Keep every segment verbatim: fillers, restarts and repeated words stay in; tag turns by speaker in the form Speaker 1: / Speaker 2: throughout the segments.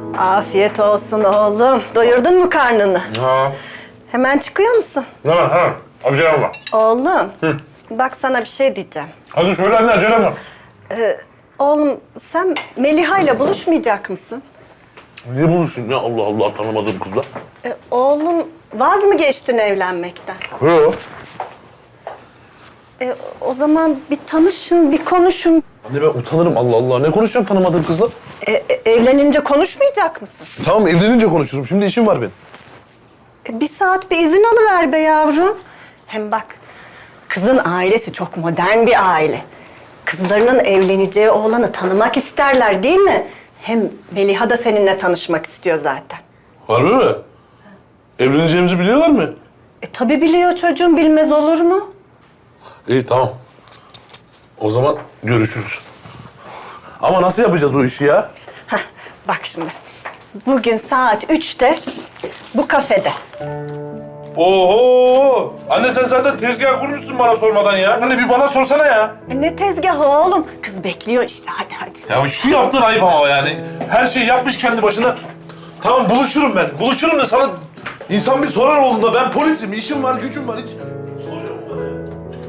Speaker 1: Afiyet olsun oğlum. Doyurdun mu karnını?
Speaker 2: Ha.
Speaker 1: Hemen çıkıyor musun?
Speaker 2: Ne var ha? Acelem var.
Speaker 1: Oğlum,
Speaker 2: Hı.
Speaker 1: bak sana bir şey diyeceğim.
Speaker 2: Hadi söyle anne, acelem var.
Speaker 1: Ee, oğlum, sen Meliha ile buluşmayacak mısın?
Speaker 2: Niye buluştun ya? Allah Allah, tanımadığım kızla.
Speaker 1: Ee, oğlum, vaz mı geçtin evlenmekten?
Speaker 2: Yok.
Speaker 1: Ee, o zaman bir tanışın, bir konuşun.
Speaker 2: Anne ben utanırım, Allah Allah. Ne konuşacağım tanımadığım kızla?
Speaker 1: Ee, e, evlenince konuşmayacak mısın?
Speaker 2: Tamam, evlenince konuşurum. Şimdi işim var benim.
Speaker 1: Ee, bir saat bir izin alıver be yavrum. Hem bak, kızın ailesi çok modern bir aile. Kızlarının evleneceği oğlanı tanımak isterler değil mi? Hem Meliha da seninle tanışmak istiyor zaten.
Speaker 2: Harbi mi? Evleneceğimizi biliyorlar mı?
Speaker 1: E tabii biliyor çocuğum, bilmez olur mu?
Speaker 2: İyi, tamam. O zaman görüşürüz. Ama nasıl yapacağız o işi ya?
Speaker 1: Heh, bak şimdi, bugün saat üçte bu kafede.
Speaker 2: Oho! Anne sen zaten tezgah kurmuşsun bana sormadan ya. Anne bir bana sorsana ya.
Speaker 1: E ne tezgahı oğlum? Kız bekliyor işte, hadi hadi.
Speaker 2: Ya şu yaptığın ayıp ama yani. Her şeyi yapmış kendi başına. Tamam buluşurum ben. Buluşurum da sana insan bir sorar olduğunda ben polisim, işim var, gücüm var. Hiç soracağım bana ya.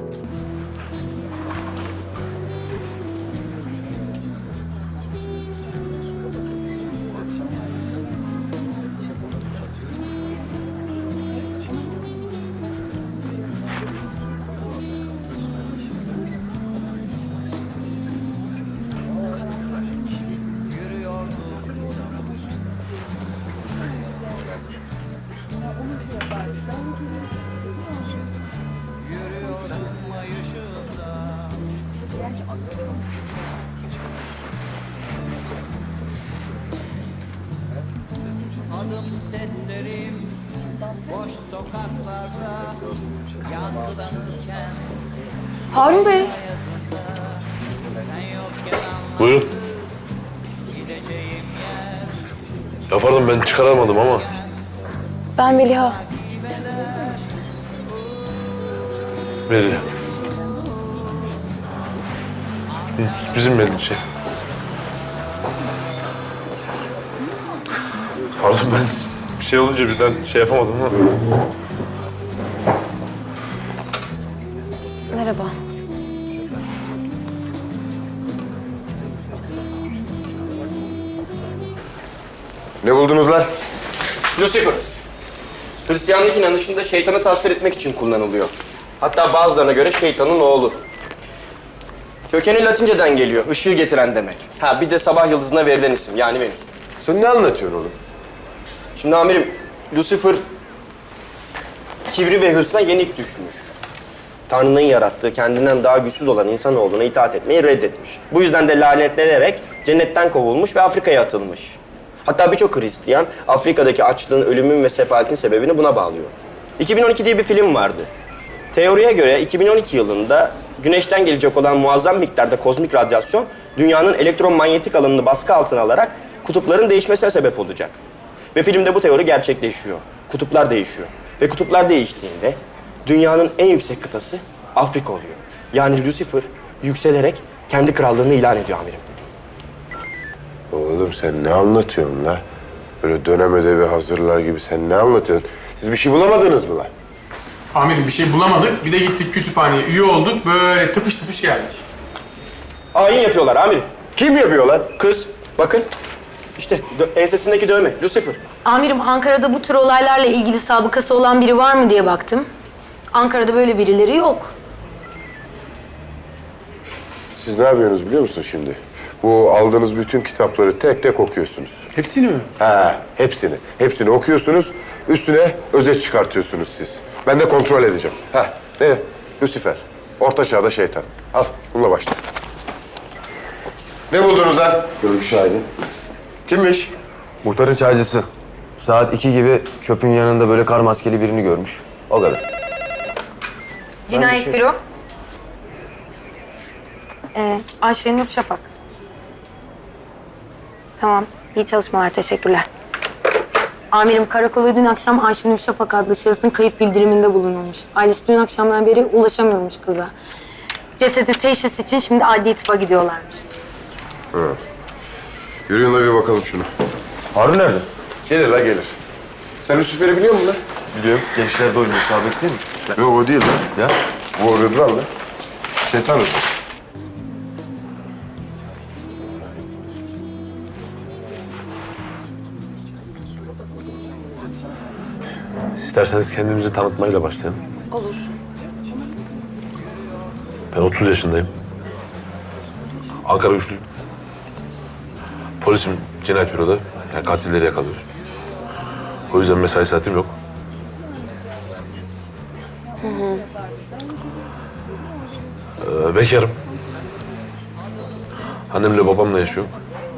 Speaker 3: Adım seslerim boş sokaklarda yankılanırken
Speaker 4: Harun Bey.
Speaker 3: sen yokken
Speaker 2: Buyur.
Speaker 3: gideceğim yer.
Speaker 2: Ya pardon ben çıkaramadım ama.
Speaker 4: Ben Meliha.
Speaker 2: Melih. Bizim Melih şey. Pardon ben bir şey olunca birden şey yapamadım ama.
Speaker 4: Merhaba.
Speaker 5: Ne buldunuz lan?
Speaker 6: Lucifer, Hristiyanlık inanışında şeytanı tasvir etmek için kullanılıyor. Hatta bazılarına göre şeytanın oğlu. Kökeni Latinceden geliyor, ışığı getiren demek. Ha bir de sabah yıldızına verilen isim, yani Venüs.
Speaker 5: Sen ne anlatıyorsun oğlum?
Speaker 6: Şimdi amirim, Lucifer kibri ve hırsına yenik düşmüş. Tanrı'nın yarattığı, kendinden daha güçsüz olan insanoğluna itaat etmeyi reddetmiş. Bu yüzden de lanetlenerek cennetten kovulmuş ve Afrika'ya atılmış. Hatta birçok Hristiyan Afrika'daki açlığın, ölümün ve sefaletin sebebini buna bağlıyor. iki bin on iki diye bir film vardı. Teoriye göre iki bin on iki yılında Güneş'ten gelecek olan muazzam miktarda kozmik radyasyon dünyanın elektromanyetik alanını baskı altına alarak kutupların değişmesine sebep olacak. Ve filmde bu teori gerçekleşiyor. Kutuplar değişiyor. Ve kutuplar değiştiğinde dünyanın en yüksek kıtası Afrika oluyor. Yani Lucifer yükselerek kendi krallığını ilan ediyor amirim.
Speaker 5: Oğlum sen ne anlatıyorsun la? Böyle dönem ödevi hazırlar gibi sen ne anlatıyorsun? Siz bir şey bulamadınız mı la?
Speaker 7: Amirim bir şey bulamadık. Bir de gittik kütüphaneye üye olduk. Böyle tıpış tıpış geldik.
Speaker 6: Ayin yapıyorlar amirim.
Speaker 5: Kim yapıyor lan?
Speaker 6: Kız, bakın. İşte dö- ensesindeki dövme, Lucifer.
Speaker 4: Amirim, Ankara'da bu tür olaylarla ilgili sabıkası olan biri var mı diye baktım. Ankara'da böyle birileri yok.
Speaker 5: Siz ne yapıyorsunuz biliyor musun şimdi? Bu aldığınız bütün kitapları tek tek okuyorsunuz.
Speaker 7: Hepsini mi?
Speaker 5: Ha, hepsini. Hepsini okuyorsunuz. Üstüne özet çıkartıyorsunuz siz. Ben de kontrol edeceğim. Ha, ne? Lucifer. Orta çağda şeytan. Al, bununla başla. Ne buldunuz lan? Görgü şahidi. Kimmiş?
Speaker 8: Muhtarın çaycısı. Saat iki gibi çöpün yanında böyle kar maskeli birini görmüş. O kadar.
Speaker 4: Cinayet büro. Ee, Ayşenur Şafak. Tamam, iyi çalışmalar, teşekkürler. Amirim, karakola dün akşam Ayşenur Şafak adlı şahısın kayıp bildiriminde bulunulmuş. Ailesi dün akşamdan beri ulaşamıyormuş kıza. Cesedi teşhis için şimdi adli tıpa gidiyorlarmış.
Speaker 5: Yürüyün de bir bakalım şunu.
Speaker 8: Harun nerede?
Speaker 5: Gelir la gelir. Sen Lucifer'i biliyor musun lan?
Speaker 8: Biliyorum. Gençlerde oynuyor. Sabit değil mi?
Speaker 5: Yok o değil lan.
Speaker 8: Ya.
Speaker 5: Bu o Rıdvan lan. Şeytan Rıdvan.
Speaker 2: İsterseniz kendimizi tanıtmayla başlayalım.
Speaker 4: Olur.
Speaker 2: Ben otuz yaşındayım. Ankara güçlüyüm. Polisim cinayet büroda. Yani katilleri yakalıyoruz. O yüzden mesai saatim yok. Ee, bekarım. Annemle babamla yaşıyorum.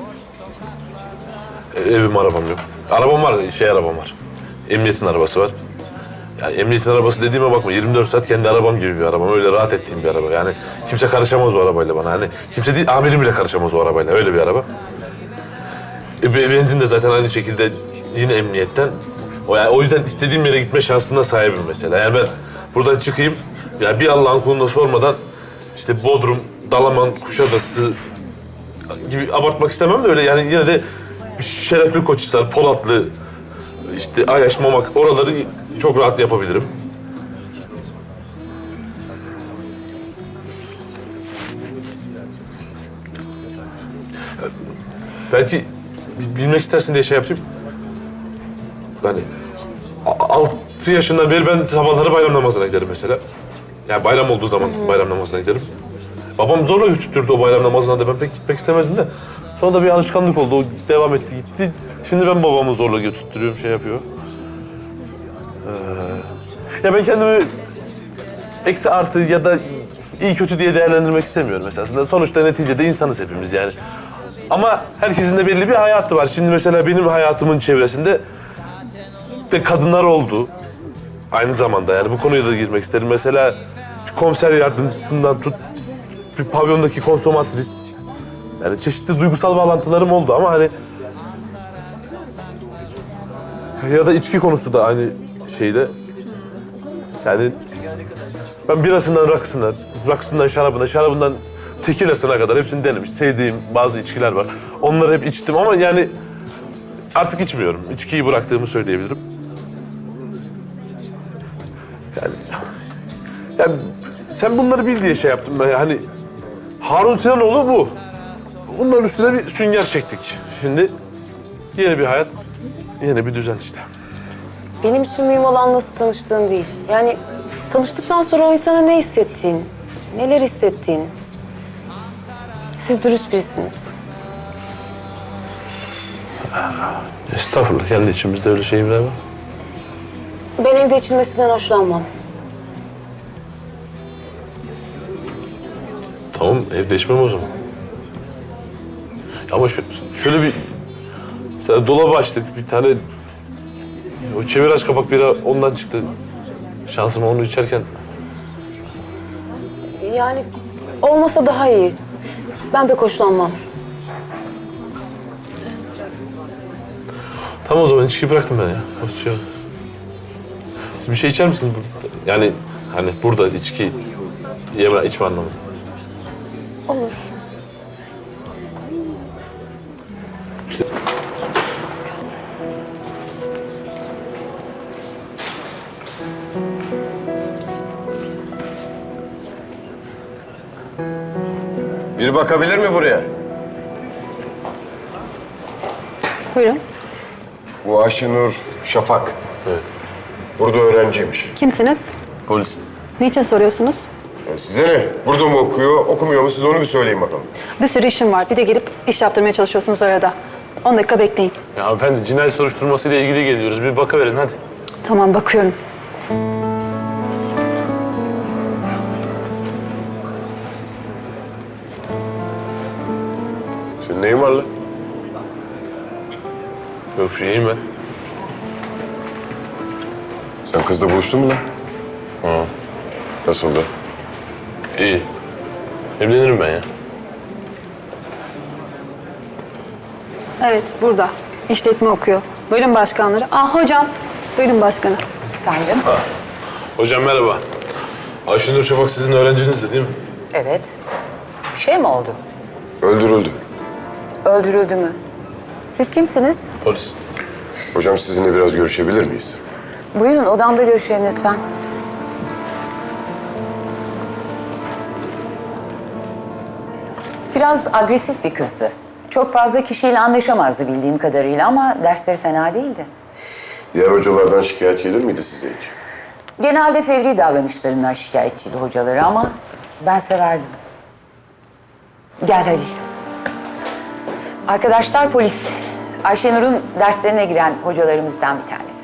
Speaker 2: E, evim, arabam yok. Arabam var, şey arabam var. Emniyetin arabası var. Yani emniyetin arabası dediğime bakma, yirmi dört saat kendi arabam gibi bir arabam. Öyle rahat ettiğim bir araba. Yani kimse karışamaz o arabayla bana. Hani kimse değil, amirim bile karışamaz o arabayla. Öyle bir araba. E, be- benzin de zaten aynı şekilde yine emniyetten. O, yani o yüzden istediğim yere gitme şansına sahibim mesela. Yani ben buradan çıkayım, yani bir Allah'ın kuluna sormadan işte Bodrum, Dalaman, Kuşadası gibi abartmak istemem de öyle yani yine de Şerefli Koçhisar, Polatlı, işte Ayaş, Mamak oraları çok rahat yapabilirim. Belki bilmek istersin diye şey yapayım. Yani a- altı yaşından beri ben sabahları bayram namazına giderim mesela. Yani bayram olduğu zaman bayram namazına giderim. Babam zorla götürttürdü o bayram namazına da ben pek gitmek istemezdim de. Sonra da bir alışkanlık oldu. O devam etti gitti. Şimdi ben babamı zorla götürttürüyorum, şey yapıyor. Ee, ya ben kendimi eksi artı ya da iyi kötü diye değerlendirmek istemiyorum esasında. Sonuçta neticede insanız hepimiz yani. Ama herkesin de belli bir hayatı var. Şimdi mesela benim hayatımın çevresinde de kadınlar oldu. Aynı zamanda yani bu konuya da girmek isterim. Mesela komiser yardımcısından tut, bir pavyondaki konsomatris. Yani çeşitli duygusal bağlantılarım oldu ama hani ya da içki konusu da aynı şeyde. Yani ben birasından rakısına, rakısından şarabına, şarabından tekilasına kadar hepsini denemiş. Sevdiğim bazı içkiler var. Onları hep içtim ama yani artık içmiyorum. İçkiyi bıraktığımı söyleyebilirim. Yani, yani sen bunları bil diye şey yaptım ben. Hani Harun Sinanoğlu bu. Bunların üstüne bir sünger çektik. Şimdi yeni bir hayat, yeni bir düzen işte.
Speaker 4: Benim için mühim olan nasıl tanıştığın değil. Yani tanıştıktan sonra o insana ne hissettiğin, neler hissettiğin. Siz dürüst birisiniz.
Speaker 2: Estağfurullah, kendi içimizde öyle şeyler var.
Speaker 4: Ben evde içilmesinden hoşlanmam.
Speaker 2: Tamam, evde içmem o zaman. Ama şu, şöyle bir... Mesela dolabı açtık, bir tane... O çevir aç kapak bira ondan çıktı. Şansıma onu içerken...
Speaker 4: Yani olmasa daha iyi. Ben pek hoşlanmam.
Speaker 2: Tamam o zaman içkiyi bıraktım ben ya. Hoşça kal. Siz bir şey içer misiniz burada? Yani hani burada içki yeme, içme anlamında.
Speaker 4: Olur.
Speaker 5: Biri bakabilir mi buraya?
Speaker 9: Buyurun.
Speaker 5: Bu Ayşenur Şafak.
Speaker 2: Evet.
Speaker 5: Burada öğrenciymiş.
Speaker 9: Kimsiniz?
Speaker 2: Polis.
Speaker 9: Niçin soruyorsunuz?
Speaker 5: Ya size ne? Burada mı okuyor, okumuyor mu? Siz onu bir söyleyin bakalım.
Speaker 9: Bir sürü işim var. Bir de gelip iş yaptırmaya çalışıyorsunuz arada. on dakika bekleyin.
Speaker 2: Ya hanımefendi cinayet soruşturmasıyla ilgili geliyoruz. Bir bakıverin hadi.
Speaker 9: Tamam, bakıyorum.
Speaker 5: Senin neyin var lan?
Speaker 2: Yok bir şeyim ben.
Speaker 5: Sen kızla buluştun mu lan?
Speaker 2: Ha.
Speaker 5: Nasıldı?
Speaker 2: İyi. Evlenirim ben ya.
Speaker 9: Evet, burada. İşletme okuyor. Buyurun başkanları. Ah hocam. Buyurun başkanı.
Speaker 10: Efendim?
Speaker 2: Hocam merhaba. Ayşenur Şafak sizin öğrencinizdi değil mi?
Speaker 10: Evet. Bir şey mi oldu?
Speaker 5: Öldürüldü.
Speaker 10: Öldürüldü mü?
Speaker 9: Siz kimsiniz?
Speaker 2: Polis.
Speaker 5: Hocam sizinle biraz görüşebilir miyiz?
Speaker 9: Buyurun odamda görüşelim lütfen.
Speaker 10: Biraz agresif bir kızdı. Çok fazla kişiyle anlaşamazdı bildiğim kadarıyla ama dersleri fena değildi.
Speaker 5: Diğer hocalardan şikayet gelir miydi size hiç?
Speaker 10: Genelde fevri davranışlarından şikayetçiydi hocaları ama ben severdim. Gel Halil. Arkadaşlar polis. Ayşenur'un derslerine giren hocalarımızdan bir tanesi.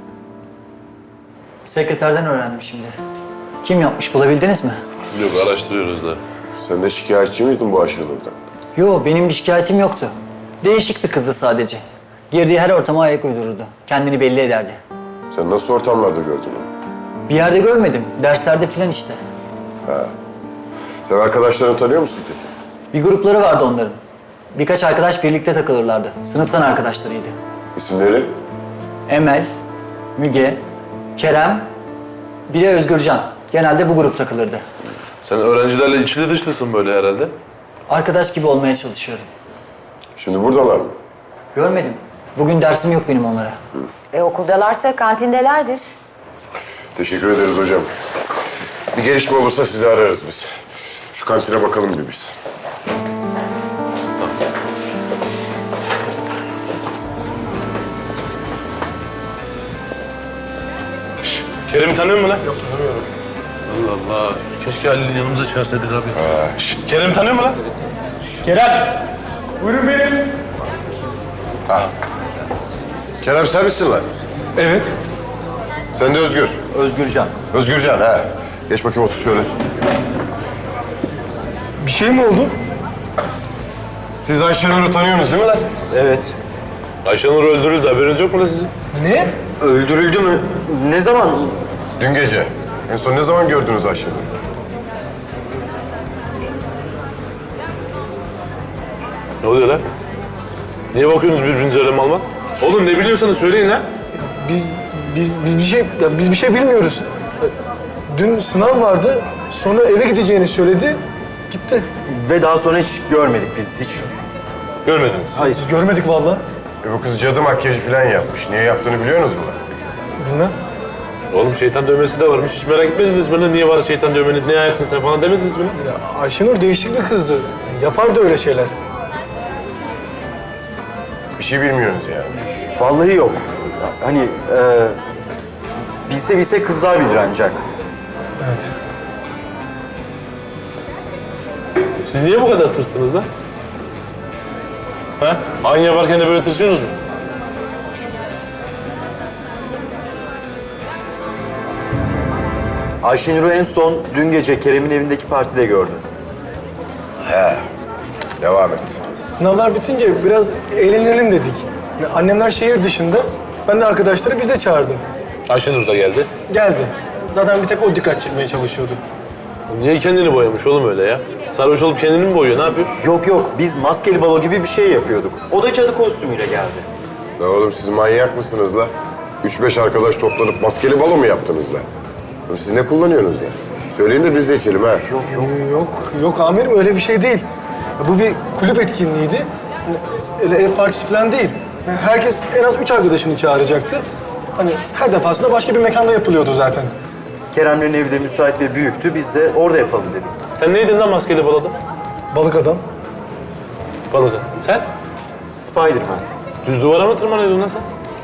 Speaker 11: Sekreterden öğrendim şimdi. Kim yapmış bulabildiniz mi?
Speaker 2: Yok araştırıyoruz da.
Speaker 5: Sen de şikayetçi miydin bu Ayşenur'dan?
Speaker 11: Yo, benim bir şikayetim yoktu. Değişik bir kızdı sadece. Girdiği her ortama ayak uydururdu. Kendini belli ederdi.
Speaker 5: Sen nasıl ortamlarda gördün onu?
Speaker 11: Bir yerde görmedim. Derslerde filan işte.
Speaker 5: Sen arkadaşlarını tanıyor musun peki?
Speaker 11: Bir grupları vardı onların. Birkaç arkadaş birlikte takılırlardı. Sınıftan arkadaşlarıydı.
Speaker 5: İsimleri?
Speaker 11: Emel, Müge, Kerem, bir de Özgürcan. Genelde bu grup takılırdı.
Speaker 2: Sen öğrencilerle içli dışlısın böyle herhalde.
Speaker 11: Arkadaş gibi olmaya çalışıyorum.
Speaker 5: Şimdi buradalar mı?
Speaker 11: Görmedim. Bugün dersim yok benim onlara.
Speaker 10: E okuldalarsa kantindelerdir.
Speaker 5: Teşekkür ederiz hocam. Bir gelişme olursa sizi ararız biz. Şu kantine bakalım bir biz.
Speaker 2: Kerem'i tanıyor musun lan? Yok tanımıyorum. Allah Allah. Keşke Halil'in yanımıza çağırsaydık abi.
Speaker 5: Ha, şşt.
Speaker 2: Kerem'i tanıyor musun lan? Kerem! Buyurun benim.
Speaker 5: Kerem sen misin lan?
Speaker 2: Evet.
Speaker 5: Sen de Özgür.
Speaker 11: Özgürcan.
Speaker 5: Özgürcan ha. Geç bakayım otur şöyle.
Speaker 2: Bir şey mi oldu?
Speaker 5: Siz Ayşenur'u tanıyorsunuz değil mi lan?
Speaker 6: Evet.
Speaker 2: Ayşenur öldürüldü. Haberiniz yok mu lan sizin?
Speaker 6: Ne? Öldürüldü mü? Ne zaman?
Speaker 5: Dün gece. En son ne zaman gördünüz Ayşenur'u?
Speaker 2: Ne oluyor lan? Niye bakıyorsunuz birbirinize öyle mal mal? Oğlum ne biliyorsanız söyleyin lan.
Speaker 12: Biz biz biz bir şey ya biz bir şey bilmiyoruz. Dün sınav vardı. Sonra eve gideceğini söyledi. Gitti.
Speaker 6: Ve daha sonra hiç görmedik biz hiç.
Speaker 2: Görmediniz.
Speaker 6: Hayır.
Speaker 12: Görmedik vallahi.
Speaker 5: E bu kız cadı makyajı falan yapmış. Niye yaptığını biliyorsunuz mu?
Speaker 12: Bilmem.
Speaker 2: Oğlum şeytan dövmesi de varmış. Hiç merak etmediniz mi? Niye var şeytan dövmeniz? Ne yersin sen falan demediniz mi?
Speaker 12: Ya Ayşenur değişik bir kızdı. Yapardı öyle şeyler.
Speaker 5: Bir şey bilmiyorsunuz yani.
Speaker 6: Vallahi yok. Hani e, bilse bilse kızlar bilir ancak.
Speaker 12: Evet.
Speaker 2: Siz niye bu kadar tırstınız lan? Ha? Aynı yaparken de böyle tırsıyorsunuz mu?
Speaker 6: Ayşenur'u en son dün gece Kerem'in evindeki partide gördüm.
Speaker 5: He. Devam et.
Speaker 12: Sınavlar bitince biraz eğlenelim dedik. Yani annemler şehir dışında. Ben de arkadaşları bize çağırdım.
Speaker 2: Ayşenur da geldi.
Speaker 12: Geldi. Zaten bir tek o dikkat çekmeye çalışıyordu.
Speaker 2: Niye kendini boyamış oğlum öyle ya? Sarhoş olup kendini mi boyuyor? Ne yapıyor?
Speaker 6: Yok yok biz maskeli balo gibi bir şey yapıyorduk. O da cadı kostümüyle geldi.
Speaker 5: Ne oğlum siz manyak mısınız la? Üç beş arkadaş toplanıp maskeli balo mu yaptınız la? Oğlum siz ne kullanıyorsunuz ya? Söyleyin de biz de içelim ha.
Speaker 12: Yok yok. Yok yok amirim öyle bir şey değil. Ya bu bir kulüp etkinliğiydi. Öyle ev partisi falan değil. Yani herkes en az üç arkadaşını çağıracaktı. Hani her defasında başka bir mekanda yapılıyordu zaten.
Speaker 6: Kerem'lerin evi de müsait ve büyüktü. Biz de orada yapalım dedik.
Speaker 2: Sen neydin lan maskeli balada?
Speaker 12: Balık adam.
Speaker 2: Balada. Sen?
Speaker 6: Spiderman.
Speaker 2: Düz duvara mı tırmanıyordun lan sen?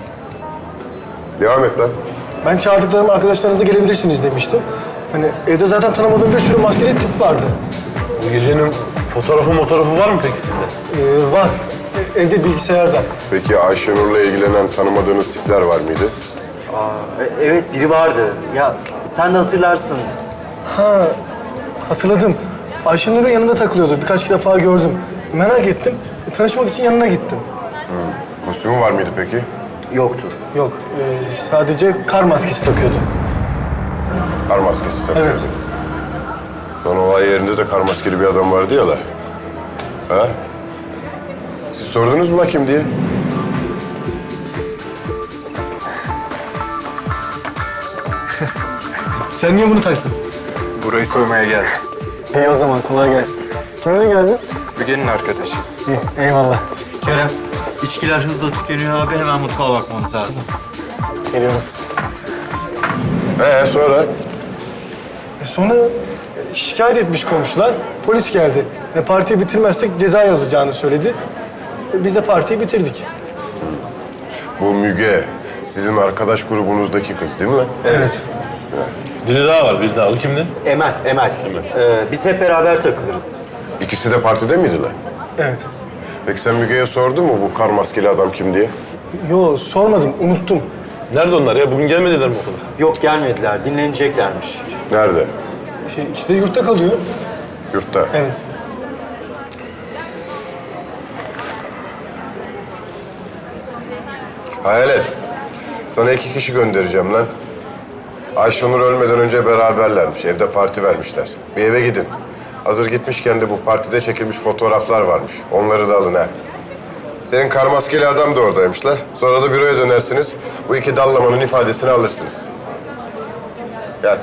Speaker 5: Devam et lan.
Speaker 12: Ben çağırdıklarım arkadaşlarınız da gelebilirsiniz demiştim. Hani evde zaten tanımadığım bir sürü maskeli tip vardı.
Speaker 2: Bu gecenin fotoğrafı fotoğrafı var mı peki sizde?
Speaker 12: Ee, var. E, Evde bilgisayarda.
Speaker 5: Peki Ayşenur'la ilgilenen tanımadığınız tipler var mıydı?
Speaker 6: Aa, e- evet biri vardı. Ya sen de hatırlarsın.
Speaker 12: Ha, hatırladım. Ayşenur'un yanında takılıyordu. Birkaç defa gördüm. Merak ettim. E, tanışmak için yanına gittim.
Speaker 5: Kostümü var mıydı peki?
Speaker 6: Yoktur.
Speaker 12: Yok, e, sadece kar maskesi takıyordu.
Speaker 5: Kar maskesi takıyordu.
Speaker 12: Evet.
Speaker 5: Son olay yerinde de kar maskeli bir adam vardı ya la. Ha? Siz sordunuz mu la kim diye?
Speaker 12: Sen niye bunu taktın?
Speaker 7: Burayı soymaya geldim.
Speaker 12: İyi o zaman, kolay gelsin. Kimle geldin?
Speaker 7: Müge'nin arkadaşı.
Speaker 12: İyi, eyvallah.
Speaker 6: Kerem,
Speaker 13: İçkiler hızla tükeniyor abi. Hemen mutfağa bakmamız lazım.
Speaker 12: Geliyorum.
Speaker 5: Ee sonra?
Speaker 12: E sonra şikayet etmiş komşular. Polis geldi. E, partiyi bitirmezsek ceza yazacağını söyledi. E, biz de partiyi bitirdik.
Speaker 5: Bu Müge, sizin arkadaş grubunuzdaki kız değil mi lan?
Speaker 12: Evet.
Speaker 2: Biri daha var, biri daha. O kimdi?
Speaker 6: Emel, Emel. Ee, biz hep beraber takılırız.
Speaker 5: İkisi de partide miydiler?
Speaker 12: Evet.
Speaker 5: Peki sen Müge'ye sordun mu bu kar maskeli adam kim diye?
Speaker 12: Yo sormadım, unuttum.
Speaker 2: Nerede onlar ya? Bugün gelmediler mi okula?
Speaker 6: Yok gelmediler, dinleneceklermiş.
Speaker 5: Nerede?
Speaker 12: Şey, ikisi de yurtta kalıyor.
Speaker 5: Yurtta.
Speaker 12: Evet.
Speaker 5: Hayalet. Sana iki kişi göndereceğim lan. Ayşenur ölmeden önce beraberlermiş. Evde parti vermişler. Bir eve gidin. Hazır gitmişken de bu partide çekilmiş fotoğraflar varmış. Onları da alın ha. Senin kar maskeli adam da oradaymış la. Sonra da büroya dönersiniz. Bu iki dallamanın ifadesini alırsınız. Yat.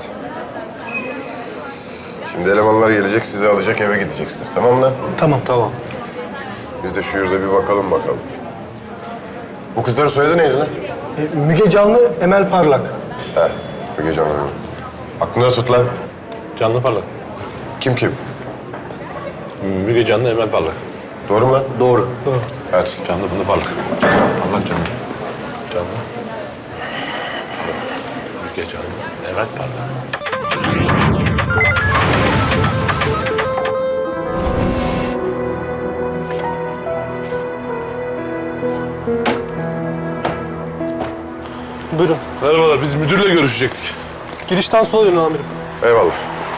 Speaker 5: Şimdi elemanlar gelecek, sizi alacak, eve gideceksiniz. Tamam mı lan?
Speaker 12: Tamam. Tamam.
Speaker 5: Biz de şu yurda bir bakalım bakalım. Bu kızların soyadı neydi lan?
Speaker 12: E, Müge Canlı, Emel Parlak.
Speaker 5: He, Müge Canlı. Aklında tut lan.
Speaker 2: Canlı Parlak.
Speaker 5: Kim kim?
Speaker 2: Müge Canlı, Emel Parlak.
Speaker 5: Doğru mu lan?
Speaker 6: Doğru.
Speaker 12: Doğru.
Speaker 5: Hadi.
Speaker 2: Canlı Fındık Parlak. Parlak Canlı. Canlı. Müge Canlı, Emel Parlak.
Speaker 12: Buyurun.
Speaker 2: Merhabalar, biz müdürle görüşecektik.
Speaker 12: Girişten sola dönün amirim.
Speaker 5: Eyvallah.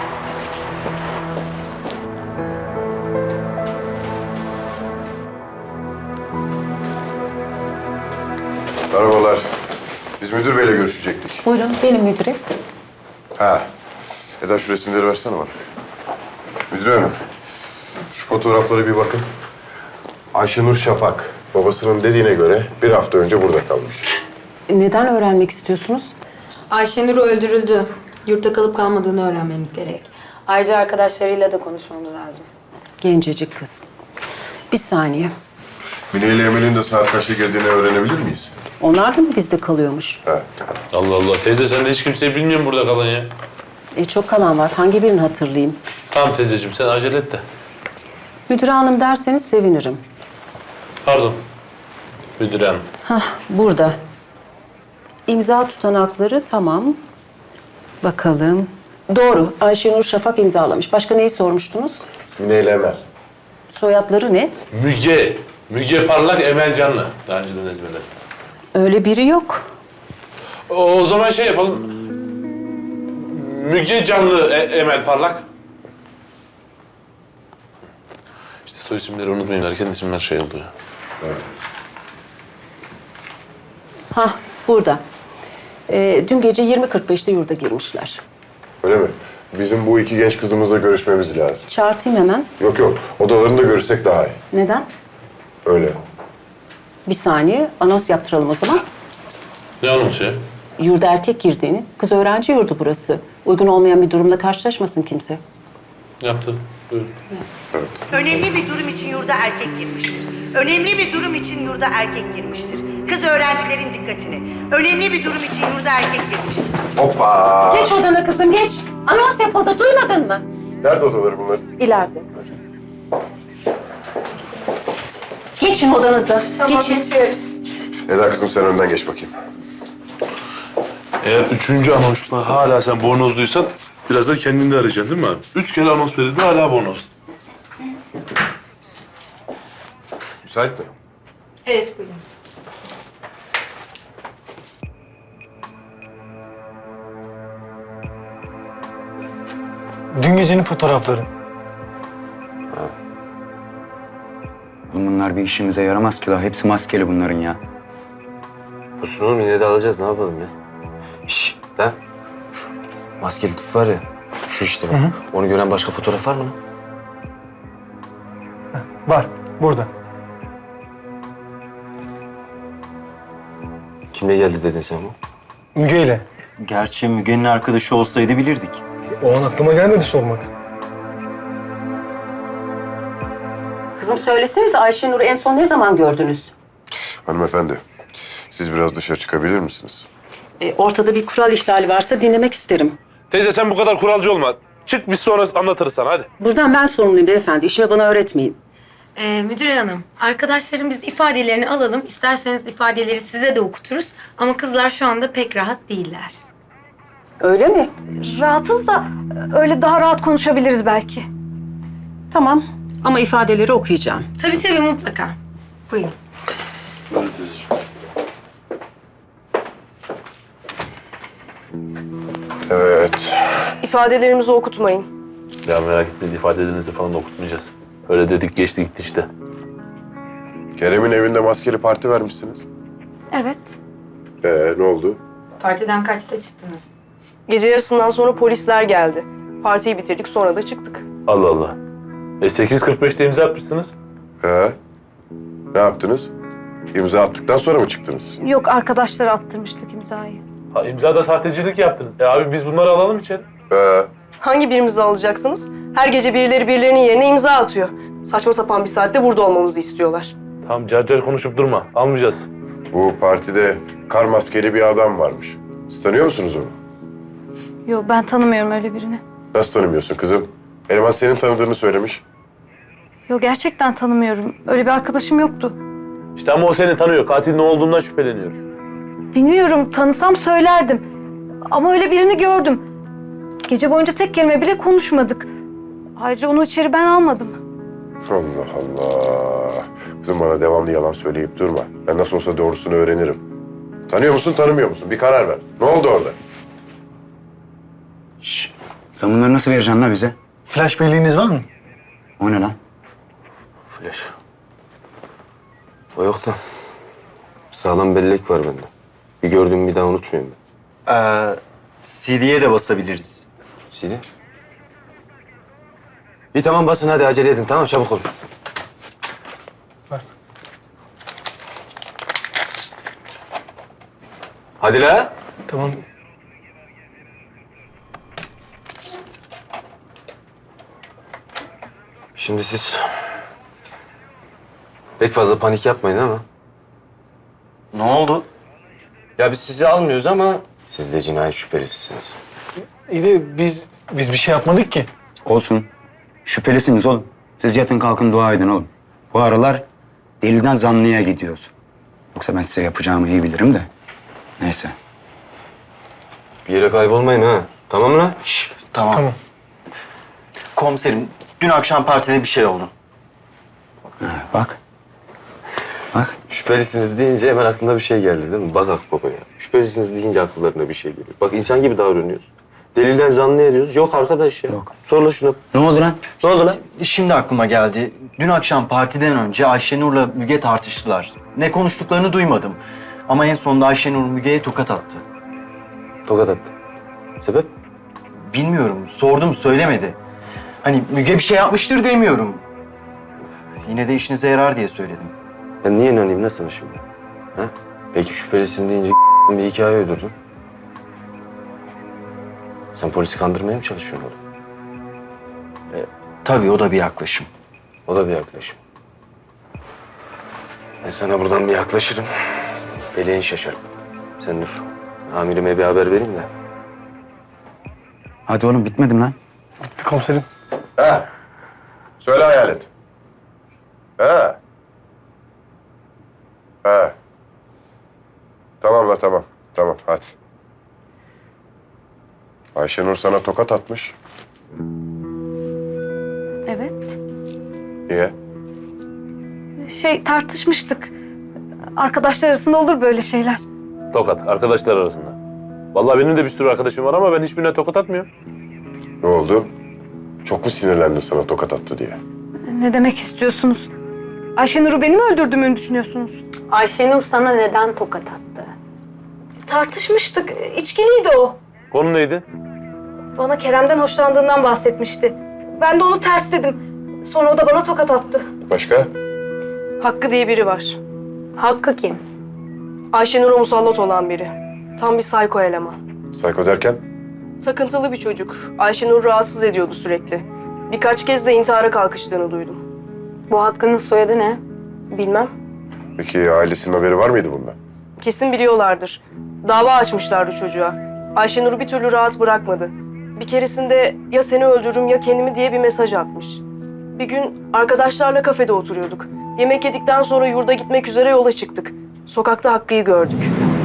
Speaker 5: Merhabalar. Biz müdür beyle görüşecektik.
Speaker 10: Buyurun, benim müdürüm.
Speaker 5: Ha. Eda şu resimleri versene bana. Müdür hanım. Şu fotoğraflara bir bakın. Ayşenur Şafak. Babasının dediğine göre bir hafta önce burada kalmış.
Speaker 10: Neden öğrenmek istiyorsunuz?
Speaker 4: Ayşenur öldürüldü. Yurtta kalıp kalmadığını öğrenmemiz gerek. Ayrıca arkadaşlarıyla da konuşmamız lazım.
Speaker 10: Gencecik kız. Bir saniye.
Speaker 5: Mine ile Emel'in de saat kaçta girdiğini öğrenebilir miyiz?
Speaker 10: Onlar da mı bizde kalıyormuş?
Speaker 5: Ha.
Speaker 2: Allah Allah, teyze sen de hiç kimseyi bilmiyorsun burada kalan ya.
Speaker 10: E çok kalan var. Hangi birini hatırlayayım?
Speaker 2: Tamam teyzeciğim, sen acele et de.
Speaker 10: Müdür hanım derseniz sevinirim.
Speaker 2: Pardon. Müdür hanım.
Speaker 10: Hah, burada. İmza tutanakları tamam. Bakalım. Doğru. Ayşenur Şafak imzalamış. Başka neyi sormuştunuz?
Speaker 5: Mine ile Emel.
Speaker 10: Soyadları ne?
Speaker 2: Müge. Müge Parlak, Emel Canlı. Daha önceden ezberledim.
Speaker 10: Öyle biri yok.
Speaker 2: O, o zaman şey yapalım. Müge Canlı, E- Emel Parlak. İşte soy isimleri unutmayın. Herkesin isimler şey oluyor.
Speaker 5: Evet.
Speaker 10: Hah, burada. Ee, dün gece yirmi kırk beşte yurda girmişler.
Speaker 5: Öyle mi? Bizim bu iki genç kızımızla görüşmemiz lazım.
Speaker 10: Çağırtayım hemen.
Speaker 5: Yok yok. Odalarında görüşsek daha iyi.
Speaker 10: Neden?
Speaker 5: Öyle.
Speaker 10: Bir saniye. Anons yaptıralım o zaman.
Speaker 2: Ne anonsu ya?
Speaker 10: Yurda erkek girdiğini. Kız öğrenci yurdu burası. Uygun olmayan bir durumla karşılaşmasın kimse.
Speaker 2: Yaptım. Buyurun.
Speaker 5: Evet.
Speaker 14: Önemli bir durum için yurda erkek girmiştir. Önemli bir durum için yurda erkek girmiştir. Kız öğrencilerin dikkatini. Önemli bir durum için yurda erkek girmiştir.
Speaker 5: Hoppa!
Speaker 10: Geç odana kızım geç. Anons yap oda duymadın mı?
Speaker 5: Nerede odaları bunlar?
Speaker 10: İleride. Geçin odanıza. Geçin.
Speaker 5: Eda kızım sen önden geç bakayım.
Speaker 2: Eğer üçüncü anonsta hala sen bornozluysan biraz da kendini de arayacaksın değil mi abi? Üç kere anons verildi hala bornoz.
Speaker 5: Müsait mi?
Speaker 4: Evet buyurun.
Speaker 12: Dün gecenin fotoğrafları.
Speaker 13: Bunlar bir işimize yaramaz ki la. Hepsi maskeli bunların ya.
Speaker 8: Olsun oğlum, yine de alacağız. Ne yapalım ya? Şşş lan. Şu maskeli tip var ya. Şu işte bak. Onu gören başka fotoğraf var mı?
Speaker 12: Var, burada.
Speaker 8: Kimle geldi dedin sen bu?
Speaker 12: Müge ile.
Speaker 13: Gerçi Müge'nin arkadaşı olsaydı bilirdik.
Speaker 12: O an aklıma gelmedi sormak.
Speaker 10: Kızım söylesenize Ayşenur'u en son ne zaman gördünüz?
Speaker 5: Hanımefendi, siz biraz dışarı çıkabilir misiniz?
Speaker 15: E, ortada bir kural ihlali varsa dinlemek isterim.
Speaker 2: Teyze sen bu kadar kuralcı olma. Çık biz sonra anlatırız sana hadi.
Speaker 15: Buradan ben sorumluyum beyefendi. İşimi bana öğretmeyin.
Speaker 4: Ee, müdür hanım, arkadaşlarım biz ifadelerini alalım. İsterseniz ifadeleri size de okuturuz. Ama kızlar şu anda pek rahat değiller.
Speaker 15: Öyle mi?
Speaker 9: Rahatız da öyle daha rahat konuşabiliriz belki.
Speaker 15: Tamam. Ama ifadeleri okuyacağım.
Speaker 4: Tabii tabii mutlaka. Buyurun.
Speaker 5: Evet.
Speaker 16: İfadelerimizi okutmayın.
Speaker 2: Ya merak etmeyin ifadelerinizi falan da okutmayacağız. Öyle dedik geçti gitti işte.
Speaker 5: Kerem'in evinde maskeli parti vermişsiniz.
Speaker 9: Evet.
Speaker 5: Ee, ne oldu?
Speaker 4: Partiden kaçta çıktınız?
Speaker 16: Gece yarısından sonra polisler geldi. Partiyi bitirdik, sonra da çıktık.
Speaker 2: Allah Allah. E sekiz kırk beşte imza atmışsınız.
Speaker 5: Ee, ne yaptınız? İmza attıktan sonra mı çıktınız?
Speaker 9: Yok, arkadaşlara attırmıştık imzayı.
Speaker 2: Ha imzada sahtecilik yaptınız. E abi biz bunları alalım içeri.
Speaker 5: Ee,
Speaker 16: Hangi birimizi alacaksınız? Her gece birileri birilerinin yerine imza atıyor. Saçma sapan bir saatte burada olmamızı istiyorlar.
Speaker 2: Tamam car car konuşup durma. Almayacağız.
Speaker 5: bu partide kar maskeli bir adam varmış. Siz tanıyor musunuz onu?
Speaker 9: Yok, ben tanımıyorum öyle birini.
Speaker 5: Nasıl tanımıyorsun kızım? Eleman senin tanıdığını söylemiş.
Speaker 9: Yok, gerçekten tanımıyorum. Öyle bir arkadaşım yoktu.
Speaker 2: İşte ama o seni tanıyor. Katil ne olduğundan şüpheleniyoruz.
Speaker 9: Bilmiyorum, tanısam söylerdim. Ama öyle birini gördüm. Gece boyunca tek kelime bile konuşmadık. Ayrıca onu içeri ben almadım.
Speaker 5: Allah Allah. Kızım bana devamlı yalan söyleyip durma. Ben nasıl olsa doğrusunu öğrenirim. Tanıyor musun, tanımıyor musun? Bir karar ver. Ne oldu orada?
Speaker 13: Şşş. Sen bunları nasıl vereceksin la bize?
Speaker 12: Flash belleğiniz var mı?
Speaker 13: O ne lan?
Speaker 8: Flash. O yok da sağlam bellek var bende. Bir gördüğümü bir daha unutmuyorum ben.
Speaker 13: Ee, C D'ye de basabiliriz.
Speaker 8: C D? İyi tamam basın hadi acele edin tamam çabuk olun.
Speaker 12: Ver.
Speaker 8: Hadi la.
Speaker 12: Tamam.
Speaker 8: Şimdi siz pek fazla panik yapmayın ama.
Speaker 13: Ne oldu?
Speaker 8: Ya biz sizi almıyoruz ama siz de cinayet şüphelisisiniz.
Speaker 12: İyi de biz, biz bir şey yapmadık ki.
Speaker 13: Olsun. Şüphelisiniz oğlum. Siz yatın kalkın dua edin oğlum. Bu aralar deliden zanlıya gidiyoruz. Yoksa ben size yapacağımı iyi bilirim de. Neyse.
Speaker 8: Bir yere kaybolmayın ha. Tamam mı lan?
Speaker 13: Şş, tamam.
Speaker 12: Tamam.
Speaker 13: Komiserim, dün akşam partide bir şey oldu. Ha, bak. Bak.
Speaker 8: Şüphelisiniz deyince hemen aklına bir şey geldi değil mi? Bak Akbaba ya. Şüphelisiniz deyince akıllarına bir şey geliyor. Bak insan gibi davranıyoruz. Delilden zanlı ediyoruz. Yok arkadaş ya.
Speaker 13: Yok.
Speaker 8: Sorla şuna.
Speaker 13: Ne oldu lan?
Speaker 8: Ne oldu lan?
Speaker 13: Şimdi aklıma geldi. Dün akşam partiden önce Ayşenur'la Müge tartıştılar. Ne konuştuklarını duymadım. Ama en sonunda Ayşenur Müge'ye tokat attı.
Speaker 8: Tokat attı. Sebep?
Speaker 13: Bilmiyorum. Sordum, söylemedi. Hani Müge bir şey yapmıştır demiyorum. Yine de işinize yarar diye söyledim.
Speaker 8: Ben niye inanayım lan sana şimdi? Ha? Peki şüphelisin deyince bir hikaye uydurdun. Sen polisi kandırmaya mı çalışıyorsun oğlum?
Speaker 13: E, tabii o da bir yaklaşım.
Speaker 8: O da bir yaklaşım. Ben sana buradan bir yaklaşırım. Feleğin şaşarım. Sen dur. Amirime bir haber vereyim de.
Speaker 13: Hadi oğlum bitmedim lan.
Speaker 12: Bitti komiserim.
Speaker 5: Ha? Söyle hayalet. Ha? Ha. Tamam la tamam. Tamam hadi. Ayşenur sana tokat atmış.
Speaker 9: Evet.
Speaker 5: Niye?
Speaker 9: Şey, tartışmıştık. Arkadaşlar arasında olur böyle şeyler.
Speaker 2: Tokat arkadaşlar arasında. Vallahi benim de bir sürü arkadaşım var ama ben hiçbirine tokat atmıyorum.
Speaker 5: Ne oldu? Çok mu sinirlendin sana tokat attı diye?
Speaker 9: Ne demek istiyorsunuz? Ayşenur'u benim öldürdüğümü düşünüyorsunuz?
Speaker 4: Ayşenur sana neden tokat attı?
Speaker 9: Tartışmıştık. İçkiliydi o.
Speaker 2: Konu neydi?
Speaker 9: Bana Kerem'den hoşlandığından bahsetmişti. Ben de onu tersledim. Sonra o da bana tokat attı.
Speaker 5: Başka?
Speaker 16: Hakkı diye biri var.
Speaker 4: Hakkı kim?
Speaker 16: Ayşenur'a musallat olan biri. Tam bir psycho eleman.
Speaker 5: Sayko derken?
Speaker 16: Takıntılı bir çocuk. Ayşenur'u rahatsız ediyordu sürekli. Birkaç kez de intihara kalkıştığını duydum.
Speaker 4: Bu Hakkı'nın soyadı ne?
Speaker 16: Bilmem.
Speaker 5: Peki ailesinin haberi var mıydı bundan?
Speaker 16: Kesin biliyorlardır. Dava açmışlardı çocuğa. Ayşenur'u bir türlü rahat bırakmadı. Bir keresinde ya seni öldürürüm ya kendimi diye bir mesaj atmış. Bir gün arkadaşlarla kafede oturuyorduk. Yemek yedikten sonra yurda gitmek üzere yola çıktık. Sokakta Hakkı'yı gördük.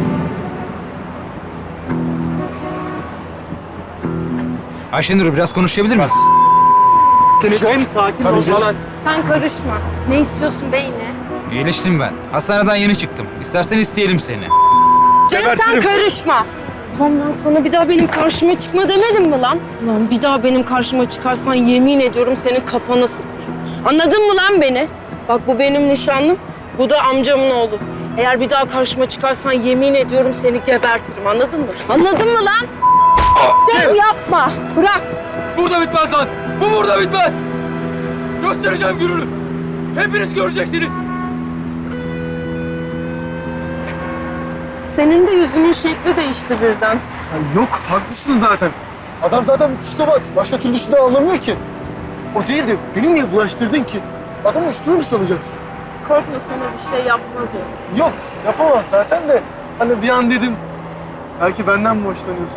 Speaker 17: Ayşenur biraz konuşabilir miyiz?
Speaker 7: Seni en sakin ol falan.
Speaker 4: Sen karışma. Ne istiyorsun beyine?
Speaker 17: İyileştim ben. Hastaneden yeni çıktım. İstersen isteyelim seni.
Speaker 4: Cem sen karışma. Lan ben sana bir daha benim karşıma çıkma demedim mi lan? Lan bir daha benim karşıma çıkarsan yemin ediyorum senin kafana sıktırırım. Anladın mı lan beni? Bak bu benim nişanlım, bu da amcamın oğlu. Eğer bir daha karşıma çıkarsan yemin ediyorum seni gebertirim, anladın mı? Anladın mı lan? Cem yapma, bırak.
Speaker 17: Burada bitmez lan. Bu burada bitmez. Göstereceğim gününü. Hepiniz göreceksiniz.
Speaker 4: Senin de yüzünün şekli değişti birden.
Speaker 12: Ya yok, haklısın zaten. Adam zaten psikopat. Başka türlüsünü de anlamıyor ki. O değil de beni niye bulaştırdın ki? Adamın üstüne mi salacaksın?
Speaker 4: Korkma, sana bir şey yapmaz o.
Speaker 12: Yok, yapamaz zaten de. Hani bir an dedim, belki benden mi hoşlanıyorsun?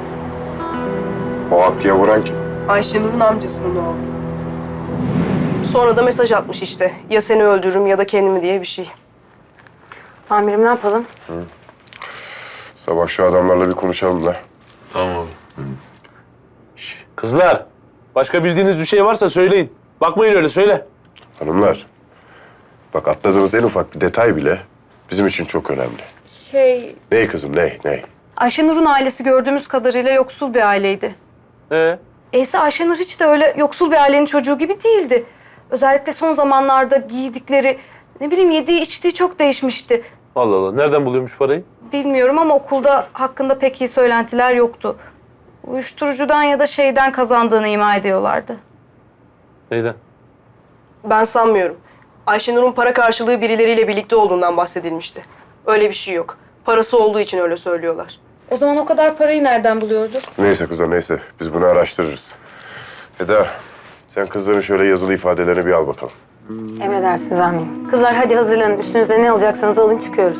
Speaker 5: O Hakkı'ya vuran kim?
Speaker 16: Ayşenur'un amcasının oğlu. Sonra da mesaj atmış işte. Ya seni öldürürüm ya da kendimi diye bir şey.
Speaker 4: Amirim ne yapalım?
Speaker 5: Hı. Sabah şu adamlarla bir konuşalım da.
Speaker 2: Tamam. Şş, kızlar, başka bildiğiniz bir şey varsa söyleyin. Bakmayın öyle, söyle.
Speaker 5: Hanımlar, bak atladığınız en ufak bir detay bile bizim için çok önemli.
Speaker 9: Şey,
Speaker 5: Ney kızım, ney, ney?
Speaker 9: Ayşenur'un ailesi gördüğümüz kadarıyla yoksul bir aileydi.
Speaker 2: Ee?
Speaker 9: Eyse Ayşenur hiç de öyle yoksul bir ailenin çocuğu gibi değildi. Özellikle son zamanlarda giydikleri, ne bileyim yediği içtiği çok değişmişti.
Speaker 2: Allah Allah, nereden buluyormuş parayı?
Speaker 9: Bilmiyorum ama okulda hakkında pek iyi söylentiler yoktu. Uyuşturucudan ya da şeyden kazandığını ima ediyorlardı.
Speaker 2: Neyden?
Speaker 16: Ben sanmıyorum. Ayşenur'un para karşılığı birileriyle birlikte olduğundan bahsedilmişti. Öyle bir şey yok. Parası olduğu için öyle söylüyorlar.
Speaker 9: O zaman o kadar parayı nereden buluyordu?
Speaker 5: Neyse kızlar, neyse. Biz bunu araştırırız. Eda, sen kızların şöyle yazılı ifadelerini bir al bakalım.
Speaker 4: Emredersiniz amirim. Kızlar hadi hazırlanın. Üstünüze ne alacaksanız alın, çıkıyoruz.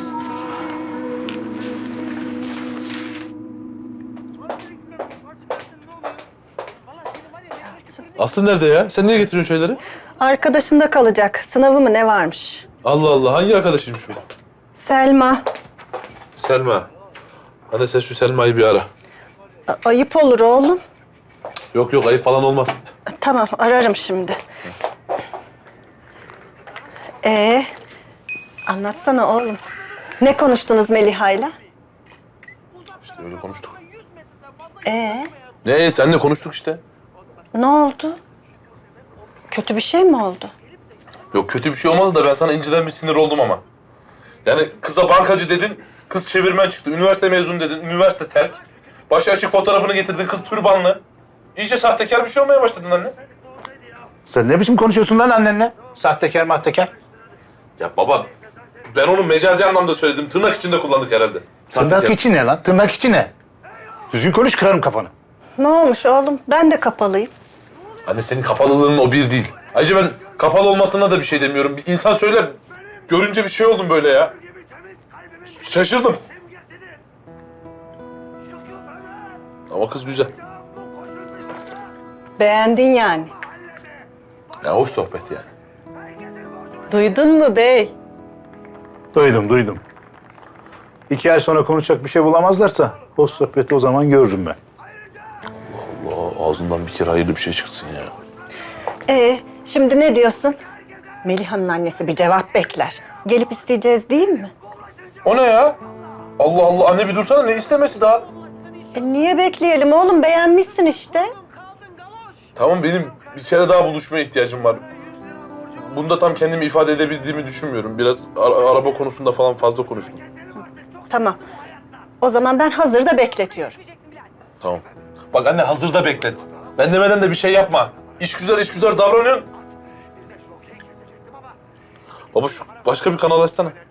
Speaker 2: Aslı nerede ya? Sen niye getiriyorsun şeyleri?
Speaker 1: Arkadaşında kalacak. Sınavı mı ne varmış?
Speaker 2: Allah Allah, hangi arkadaşıymış bu?
Speaker 1: Selma.
Speaker 2: Selma. Hadi sen şu Selma'yı bir ara.
Speaker 1: A- ayıp olur oğlum.
Speaker 2: Yok yok, ayıp falan olmaz.
Speaker 1: Tamam, ararım şimdi. Ee, anlatsana oğlum. Ne konuştunuz Meliha'yla?
Speaker 2: İşte öyle konuştuk.
Speaker 1: Ee,
Speaker 2: Ne, seninle konuştuk işte.
Speaker 1: ne oldu? Kötü bir şey mi oldu?
Speaker 2: Yok, kötü bir şey olmadı da ben sana inceden bir sinir oldum ama. Yani kıza bankacı dedin, kız çevirmen çıktı. Üniversite mezunu dedin, üniversite terk. Başı açık fotoğrafını getirdin, kız türbanlı. İyice sahtekar bir şey olmaya başladın anne.
Speaker 18: Sen ne biçim konuşuyorsun lan annenle? Sahtekar mahtekar.
Speaker 2: Ya baba, ben onu mecazi anlamda söyledim. Tırnak içinde kullandık herhalde.
Speaker 18: Tırnak
Speaker 2: Sahtekar.
Speaker 18: içi ne lan? Tırnak içi ne? Düzgün konuş, kırarım kafanı.
Speaker 1: Ne olmuş oğlum? Ben de kapalıyım.
Speaker 2: Anne senin kapalılığın o bir değil. Ayrıca ben kapalı olmasına da bir şey demiyorum. Bir insan söyler, görünce bir şey oldum böyle ya. Şaşırdım. Ama kız güzel.
Speaker 1: Beğendin yani.
Speaker 2: Ya hoş sohbet yani.
Speaker 1: Duydun mu bey?
Speaker 18: Duydum, duydum. İki ay sonra konuşacak bir şey bulamazlarsa o sohbeti o zaman görürüm ben.
Speaker 2: Allah, ağzından bir kere hayırlı bir şey çıksın ya.
Speaker 1: Ee, şimdi ne diyorsun? Meliha'nın annesi bir cevap bekler. Gelip isteyeceğiz değil mi?
Speaker 2: O ne ya? Allah Allah, anne bir dursana, ne istemesi daha?
Speaker 1: E niye bekleyelim oğlum? Beğenmişsin işte.
Speaker 2: Tamam, benim bir kere daha buluşmaya ihtiyacım var. Bunda tam kendimi ifade edebildiğimi düşünmüyorum. Biraz ara- araba konusunda falan fazla konuştum.
Speaker 1: Tamam. O zaman ben hazırda bekletiyorum.
Speaker 2: Tamam. Bak anne, hazırda beklet. Ben demeden de bir şey yapma. İş güzel, iş güzel davranıyorsun. Baba şu başka bir kanal açsana.